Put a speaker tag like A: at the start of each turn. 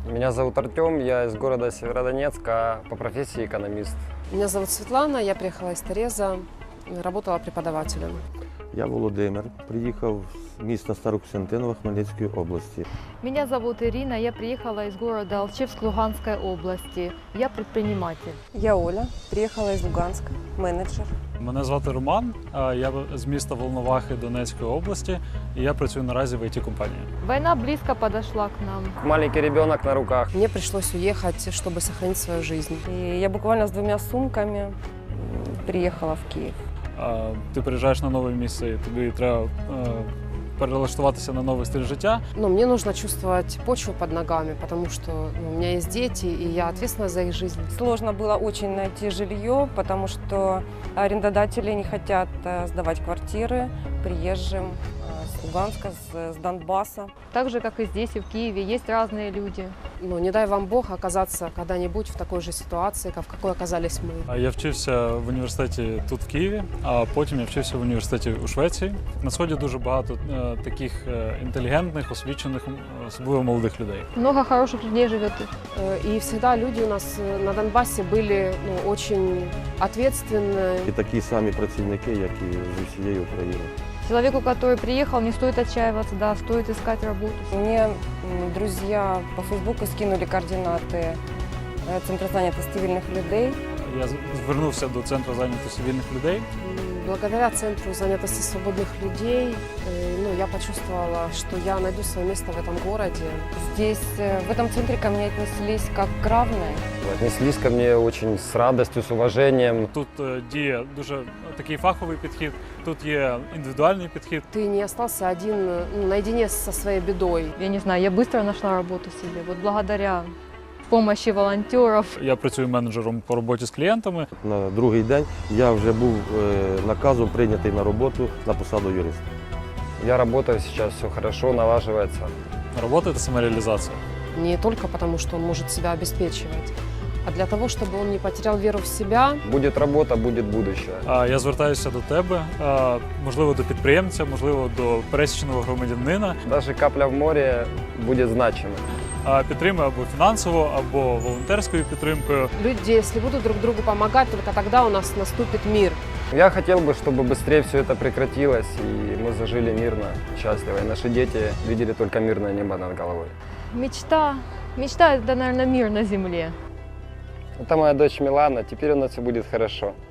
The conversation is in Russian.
A: Меня зовут Артем, я из города Северодонецка, по профессии экономист.
B: Меня зовут Светлана, я приехала из Тореза, работала преподавателем.
C: Я Володимир, приїхав з міста Старокостянтинова Хмельницької області.
D: Меня зовут Ирина, я приехала из города Алчевск Луганской области. Я предприниматель.
E: Я Оля, приїхала із Луганська, менеджер.
F: Мене звати Роман, я з міста Волновахи Донецької області, і я працюю наразі в IT-компанії.
D: Война близко подошла к нам.
A: Маленький ребенок на руках.
B: Мне пришлось уехать, чтобы сохранить свою жизнь.
E: І я буквально з 2 сумками приїхала в Київ.
F: Ти приїжджаєш на нове місце, і тобі треба перелаштуватися на новий стиль життя.
B: Но мне нужно чувствовать почву под ногами, потому что у меня есть дети, и я ответственна за их жизнь.
E: Сложно было очень найти жилье, потому что арендодатели не хотят сдавать квартиры приезжим с Луганска, с Донбасса.
D: Так же, как и здесь, и в Киеве, есть разные люди.
B: Но не дай вам Бог оказаться когда-нибудь в такой же ситуации, в какой оказались мы.
F: Я вчився в університеті тут в Києві, а потім я вчився в університеті у Швеції. На Сході дуже багато таких інтелігентних, освічених, особливо молодих людей.
D: Много хороших людей живет.
B: И всегда люди у нас на Донбассе были очень ответственны.
C: І такі самі працівники, як і з усієї України.
D: Человеку, который приехал, не стоит отчаиваться, да, стоит искать работу.
E: Мне друзья по Фейсбуку скинули координаты Центру зайнятості вільних людей.
F: Я звернувся до Центру зайнятості вільних людей.
B: Благодаря Центру занятости свободных людей я почувствовала, что я найду свое место в этом городе.
E: Здесь, в этом центре, ко мне отнеслись как к равной.
A: Отнеслись ко мне очень с радостью, с уважением.
F: Тут діє дуже такий фаховий підхід, тут є індивідуальний підхід.
B: Ты не остался один, наедине со своей бедой.
D: Я не знаю, я быстро нашла работу себе. Вот благодаря помощи волонтеров.
F: Я працюю менеджером по роботі з клієнтами.
C: На другий день я вже був наказом прийнятий на роботу на посаду юриста.
A: Я работаю сейчас, все хорошо, налаживается.
F: Робота – це самореалізація.
B: Не только потому, что он может себя обеспечивать, а для того, чтобы он не потерял веру в себя.
A: Будет работа, будет будущее.
F: Я звертаюся до тебе, можливо, до підприємця, можливо, до пересічного громадянина.
A: Даже капля в море будет значимой.
F: Підтримуй або фінансово, або волонтерською підтримкою.
B: Люди, если будут друг другу помогать, только тогда у нас наступит мир.
A: Я хотел бы, чтобы быстрее все это прекратилось, и мы зажили мирно, счастливо, и наши дети видели только мирное небо над головой.
D: Мечта. Мечта – это, наверное, мир на земле.
A: Это моя дочь Милана, теперь у нас все будет хорошо.